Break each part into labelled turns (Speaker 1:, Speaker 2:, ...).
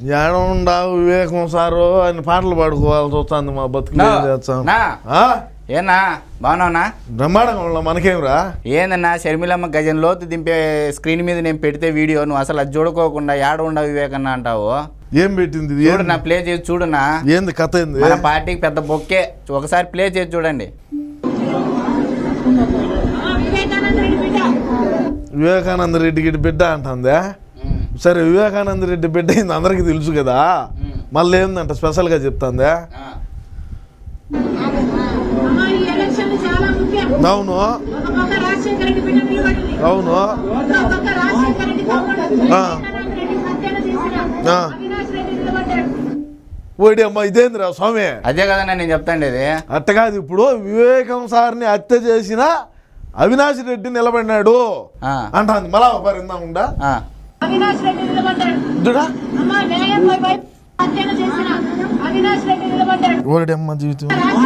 Speaker 1: ఏడుండా వివేకం సారు ఆయన పాటలు పాడుకోవాల్సి వస్తుంది మా బతుకు చేస్తాం.
Speaker 2: ఏనా బాగున్నావునా?
Speaker 1: బ్రహ్మాండంగా మనకేమిరా.
Speaker 2: ఏందన్నా షర్మిలమ్మ గజన్ లోతు దింపే స్క్రీన్ మీద నేను పెడితే వీడియో నువ్వు అసలు అది చూడుకోకుండా ఏడ ఉండవు వివేకన్న అంటావు.
Speaker 1: ఏం పెట్టింది
Speaker 2: చూడు నా ప్లే చేసి చూడనా.
Speaker 1: ఏంది కథ ఏంది?
Speaker 2: మన పార్టీకి పెద్ద బొక్కే. ఒకసారి ప్లే చేసి చూడండి.
Speaker 1: వివేకానంద రెడ్డికి బిడ్డ అంటుందా? సరే వివేకానంద రెడ్డి బిడ్డ అయింది అందరికి తెలుసు కదా, మళ్ళీ ఏందంట స్పెషల్గా చెప్తాందా? అవును అవును ఓడి అమ్మ ఇదేందిరా స్వామి?
Speaker 2: అదే కదా నేను చెప్తాండి. అది
Speaker 1: అట్ట కాదు. ఇప్పుడు వివేకం సార్ని హత్య చేసిన అవినాష్ రెడ్డి నిలబడినాడు అంటాంది. మళ్ళా పరిందా ఓడమ్మ జీవితం.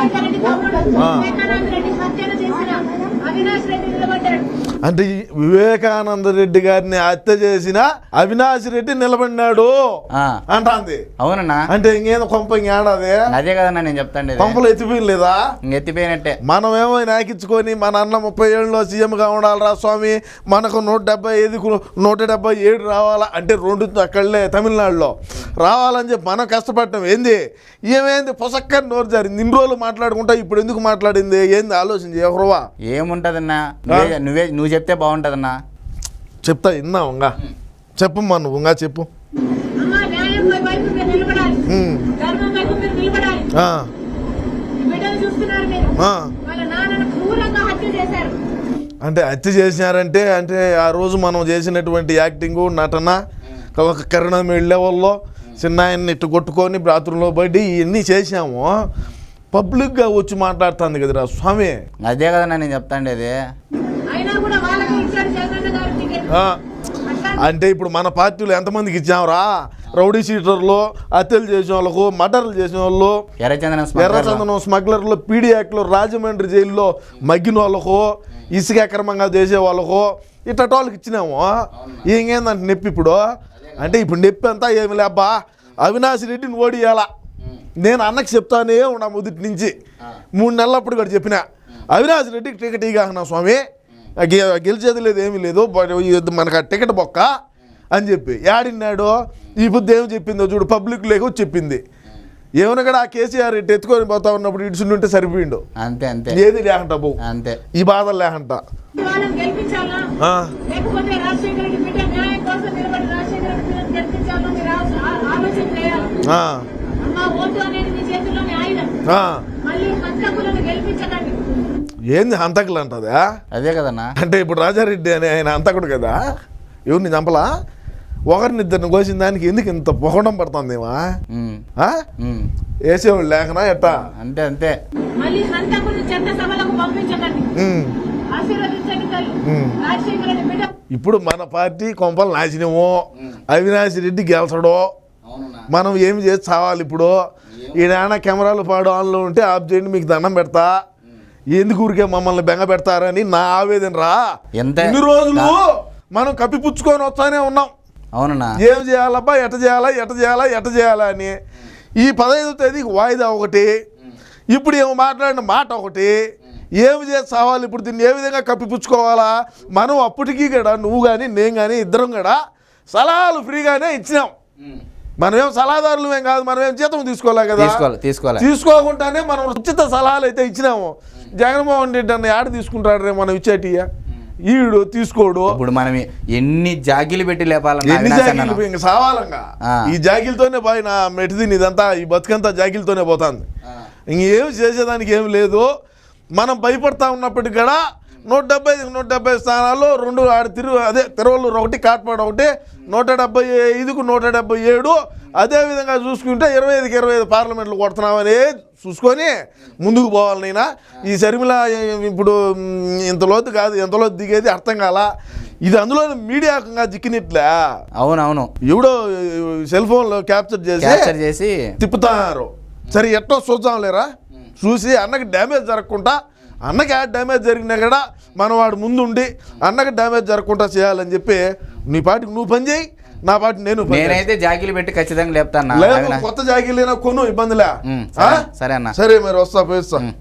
Speaker 1: అంటే వివేకానంద రెడ్డి గారిని హత్య చేసిన అవినాష్ రెడ్డి నిలబడినాడు అంటాంది.
Speaker 2: అవునన్నా.
Speaker 1: అంటే ఇంకేదో కొంప ఇంకేడాది.
Speaker 2: అదే కదన్నా నేను చెప్తాండి.
Speaker 1: కొంపలు ఎత్తిపోయలేదా?
Speaker 2: ఎత్తిపోయినట్టే.
Speaker 1: మనమేమో నాకించుకొని మన అన్న 30 ఏళ్ళలో సీఎంగా ఉండాలిరా స్వామి, మనకు 177 రావాలా అంటే 2 అక్కడలే తమిళనాడులో రావాలని చెప్పి మనం కష్టపడటం ఏంది? ఏమేంది పొసక్కని నోరు జారింది. ఇన్ని రోజులు మాట్లాడుకుంటా ఇప్పుడు ఎందుకు మాట్లాడింది ఏంది ఆలోచించి ఎవరువా?
Speaker 2: ఏముంటదన్నా, నువ్వు చెప్తే బాగుంటదన్నా.
Speaker 1: చెప్తా విన్నావుగా. చెప్పమ్మా నువ్వుగా చెప్పు. అంటే హత్య చేసినారంటే అంటే ఆ రోజు మనం చేసినటువంటి యాక్టింగు నటన ఒక కరుణం లెవెల్లో చిన్న ఆయన్ని ఇట్టు కొట్టుకొని బాత్రూంలో పడి ఇవన్నీ చేసాము. పబ్లిక్గా వచ్చి మాట్లాడుతుంది కదరా స్వామి.
Speaker 2: అదే కదా నేను చెప్తాండి. అది
Speaker 1: అంటే ఇప్పుడు మన పార్టీలో ఎంతమందికి ఇచ్చాంరా? రౌడీ షీటర్లు, హత్యలు చేసిన వాళ్ళకు, మర్డర్లు చేసిన వాళ్ళు, ఎర్రచందనం స్మగ్లర్లు, పీడీ యాక్ట్లో రాజమండ్రి జైల్లో మగ్గిన వాళ్ళకు, ఇసుక అక్రమంగా చేసే వాళ్ళకు ఇట్ట వాళ్ళకి ఇచ్చినాము. ఇంకేందంటే నొప్పి ఇప్పుడు అంటే ఇప్పుడు నొప్పి అంతా ఏమి లేబ్బా అవినాష్ రెడ్డిని ఓడియాలా. నేను అన్నకి చెప్తానే ఉన్నా మొదటి నుంచి 3 నెలలప్పుడు కూడా చెప్పిన అవినాష్ రెడ్డికి టికెట్ ఇగానా స్వామి, గెలిచేది లేదు ఏమీ లేదు, మనకు ఆ టికెట్ బొక్క అని చెప్పి ఏడిన్నాడు. ఈ బుద్ధి ఏమి చెప్పిందో చూడు, పబ్లిక్ లేక చెప్పింది. ఏమైనా కూడా ఆ కేసీఆర్ ఇటు ఎత్తుకొని పోతా ఉన్నప్పుడు ఇటుసుంటే సరిపోయిండు.
Speaker 2: అంతే అంతే.
Speaker 1: ఏది లేకంట బో
Speaker 2: అంతే,
Speaker 1: ఈ బాధలు లేకంట. ఏంది హంతకులు అంటదా?
Speaker 2: అదే కదన్నా.
Speaker 1: అంటే ఇప్పుడు రాజారెడ్డి అని ఆయన హంతకుడు కదా, ఎవరిని చంపలా, ఒకరినిద్దరిని కోసిన దానికి ఎందుకు ఇంత పొగడం పడుతుందేమా? వేసేవాళ్ళు లేకనా ఎట్టా?
Speaker 2: అంతే అంతే.
Speaker 1: ఇప్పుడు మన పార్టీ కొంపలు నాశనమో, అవినాష్ రెడ్డి గెలచడో, మనం ఏమి చేసి చావాలి. ఇప్పుడు ఈయన కెమెరాలు పాడు ఆన్లో ఉంటే ఆఫ్ చేయండి, మీకు దండం పెడతా, ఎందుకు ఊరికే మమ్మల్ని బెంగ పెడతారని నా ఆవేదన రా. ఇన్ని రోజులు మనం కప్పిపుచ్చుకొని వస్తానే ఉన్నాం.
Speaker 2: అవునన్నా.
Speaker 1: ఏం చేయాలబ్బా, ఎట చేయాలా అని. ఈ 15వ తేదీకి వాయిదా ఒకటి, ఇప్పుడు ఏమో మాట్లాడిన మాట ఒకటి, ఏమి చేసి చావాలి. ఇప్పుడు దీన్ని ఏ విధంగా కప్పిపుచ్చుకోవాలా? మనం అప్పటికీ కూడా నువ్వు కానీ నేను కానీ ఇద్దరం కూడా సలహాలు ఫ్రీగానే ఇచ్చినాం. మనమేం సలహాదారులు ఏం కాదు, మనమేం జీతం తీసుకోలే కదా, తీసుకోకుండానే మనం ఉచిత సలహాలు అయితే ఇచ్చినాము. జగన్మోహన్ రెడ్డి అన్న యాడ తీసుకుంటాడు రే మనం ఇచ్చేటియా? ఈడు తీసుకోడు.
Speaker 2: ఇప్పుడు మనం ఎన్ని జాగిలు పెట్టి లేపాలి,
Speaker 1: ఎన్ని జాగిలు ఇంక సావాలంగా. ఈ జాగిలతోనే పోయిన మెటిదిని ఇదంతా ఈ బతుకంతా జాగిలతోనే పోతుంది. ఇంకేం చేసేదానికి ఏమి లేదు. మనం భయపడతా ఉన్నప్పటికీ కూడా 170 స్థానాల్లో 2 అదే తిరువల్లూరు ఒకటి, కాట్పాడు ఒకటి, 175కు 177. అదేవిధంగా చూసుకుంటే 25కి 25 పార్లమెంట్లు కొడుతున్నామని చూసుకొని ముందుకు పోవాలి. నైనా ఈ షర్మిల ఇప్పుడు ఇంతలోతు కాదు, ఎంతలోతు దిగేది అర్థం కాల. ఇది అందులో మీడియాకంగా జిక్కినట్లే.
Speaker 2: అవునవును.
Speaker 1: ఎవడో సెల్ ఫోన్లో క్యాప్చర్ చేసి తిప్పుతున్నారు. సరే ఎట్టో చూద్దాం లేరా, చూసి అన్నకి డ్యామేజ్ జరగకుండా, అన్నకి డ్యామేజ్ జరిగినా కూడా మనం వాడు ముందుండి అన్నకి డ్యామేజ్ జరగకుండా చేయాలని చెప్పి నీ పాటికి నువ్వు పని చేయి, నా పాటు
Speaker 2: నేనైతే జాకీలు పెట్టి ఖచ్చితంగా లేపుతాను.
Speaker 1: కొత్త జాకీలు కొను ఇబ్బందిలే.
Speaker 2: సరే అన్న.
Speaker 1: సరే మరి వస్తా పోయిస్తా.